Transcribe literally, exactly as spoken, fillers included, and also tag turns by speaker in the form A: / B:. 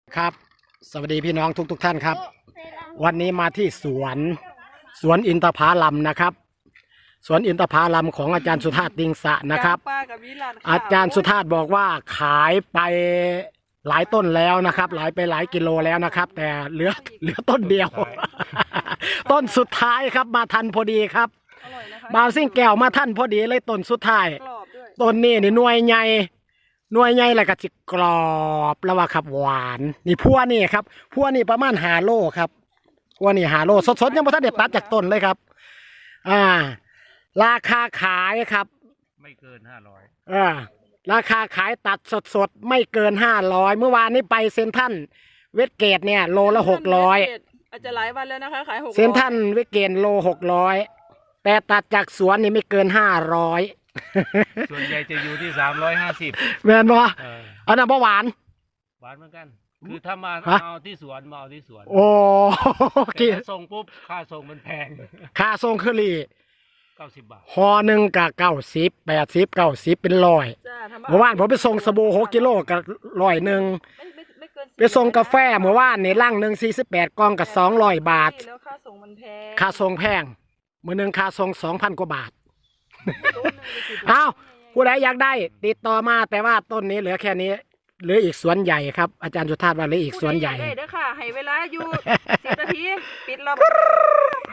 A: ครับสวัสดีพี่น้องทุกทุกท่านครับวันนี้มาที่สวนสวนอินทผลัมนะครับสวนอินทผลัมของอาจารย์สุธาตติงสะนะครับอาจารย์สุธาตบอกว่าขายไปหลายต้นแล้วนะครับหลายไปหลายกิโลแล้วนะครับแต่เหลือเหลือต้นเดียว ต้นสุดท้ายครับมาทันพอดีครับบาวซิ่งแก้วมาทันพอดีเลยต้นสุดท้ายต้นนี้นี่หน่วยใหญ่หน่วยใหญ่แล้วก็จิกรอบแล้วว่าครับหวานนี่พัวนี่ครับพัวนี่ประมาณหาโลครับพัวนี่หาโลสดๆยังไม่ทันเด็ดตัดจากต้นเลยครับอ่าราคาขายครับ
B: ไม่เกินห้าร้อย
A: อ่าราคาขายตัดสดๆไม่เกินห้าร้อยเมื่อวานนี้ไปเซ็นทรัลเวสเกตเนี่ยโลละหกร้อย
C: อาจจะหลายวันแล้วนะคะขายหก
A: เซ็นทรัลเวสเกตโลหกร้อยแต่ตัดจากสวนนี่ไม่เกินห้าร้อย
B: ส่วนใหญ่จะอยู่ที่สามร้อยห้าสิบ
A: แม่นบ่อันนั้นบ่หวาน
B: หวานเหมือนกันคือถ้ามาเอาที่สวนมาเอาที่สวน
A: โอ้
B: แต่ถ้าส่งปุ๊บค่าส่งมันแพง
A: ค่าส่งคือรี
B: เก้าสิบบาท
A: ห่อหนึ่งกับเก้าสิบแปดสิบเก้าสิบเป็นร้อยเมื่อวานผมไปส่งสบู่หกกิโลกับร้อยหนึ่งไปส่งกาแฟเมื่อวานนี่ลังหนึ่งสี่สิบแปดกล่องกับสองร้อยบาท
C: ค่าส่งมันแพง
A: ค่าส่งแพงมือหนึ่งค่าส่งสองพันกว่าบาทอ้าวผู้ใดอยากได้ติดต่อมาแต่ว่าต้นนี้เหลือแค่นี้เหลืออีกสวนใหญ่ครับอาจารย์สุธาตว่าเหลืออีกสวนใหญ่
C: ได้เด้อค่ะให้เวลาอยู่สิบนาทีปิดรอบ